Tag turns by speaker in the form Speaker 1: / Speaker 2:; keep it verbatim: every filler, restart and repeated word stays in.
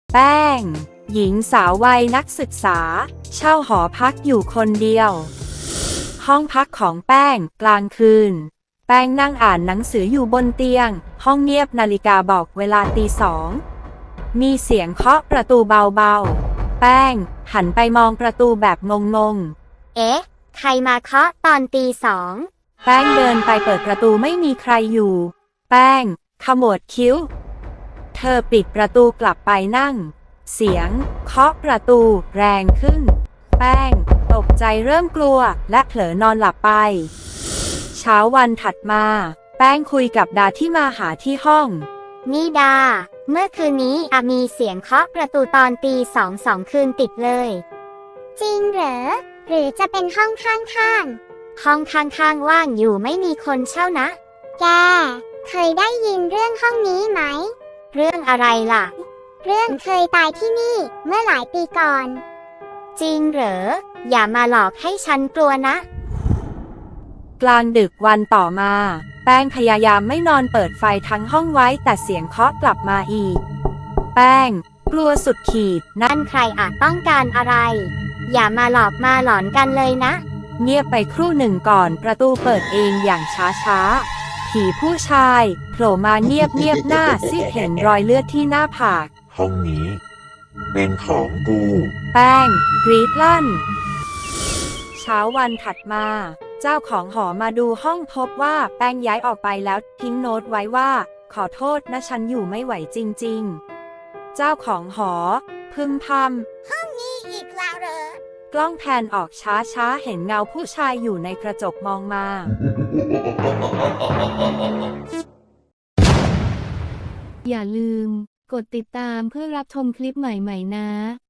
Speaker 1: แป้งหญิงสาววัยนักศึกษาเช่าหอพักอยู่คนเดียวห้องพักของแป้งกลางคืนแป้งนั่งอ่านหนังสืออยู่บนเตียงห้องเงียบนาฬิกาบอกเวลาตีสองมีเสียงเคาะประตูเบาๆแป้งหันไปมองประตูแบบงงๆ
Speaker 2: เอ๊ะใครมาเคาะตอนตีสอง
Speaker 1: แป้งเดินไปเปิดประตูไม่มีใครอยู่แป้งขมวดคิ้วเธอปิดประตูกลับไปนั่งเสียงเคาะประตูแรงขึ้นแป้งตกใจเริ่มกลัวและเผลอนอนหลับไปเช้าวันถัดมาแป้งคุยกับดาที่มาหาที่ห้อง
Speaker 2: นี่ดาเมื่อคืนนี้อามีเสียงเคาะประตูตอนตีสองสองคืนติดเลย
Speaker 3: จริงเหรอหรือจะเป็นห้องข้าง
Speaker 2: ๆห้องข้างๆว่างอยู่ไม่มีคนเช่านะ
Speaker 3: แกเคยได้ยินเรื่องห้องนี้ไหม
Speaker 2: เรื่องอะไรล่ะ
Speaker 3: เรื่องเคยตายที่นี่เมื่อหลายปีก่อน
Speaker 2: จริงเหรออย่ามาหลอกให้ฉันกลัวนะ
Speaker 1: กลางดึกวันต่อมาแป้งพยายามไม่นอนเปิดไฟทั้งห้องไว้แต่เสียงเคาะกลับมาอีกแป้งกลัวสุดขีด
Speaker 2: นั่นใครอาจต้องการอะไรอย่ามาหลอกมาหลอนกันเลยนะ
Speaker 1: เงียบไปครู่หนึ่งก่อนประตูเปิดเองอย่างช้าๆผีผู้ชายโผล่มาเงียบเงียบหน้าซีดเห็นรอยเลือดที่หน้าผาก
Speaker 4: ห้องนี้เป็นของกู
Speaker 1: แป้งกรีดลั่นเช้าวันถัดมาเจ้าของหอมาดูห้องพบว่าแป้งย้ายออกไปแล้วทิ้งโน้ตไว้ว่าขอโทษนะฉันอยู่ไม่ไหวจริงๆเจ้าของหอพึมพำ
Speaker 3: ห้องนี้อีกแล้วเหร
Speaker 1: อกล้องแพนออกช้าๆเห็นเงาผู้ชายอยู่ในกระจกมองมา
Speaker 5: อย่าลืมกดติดตามเพื่อรับชมคลิปใหม่ๆนะ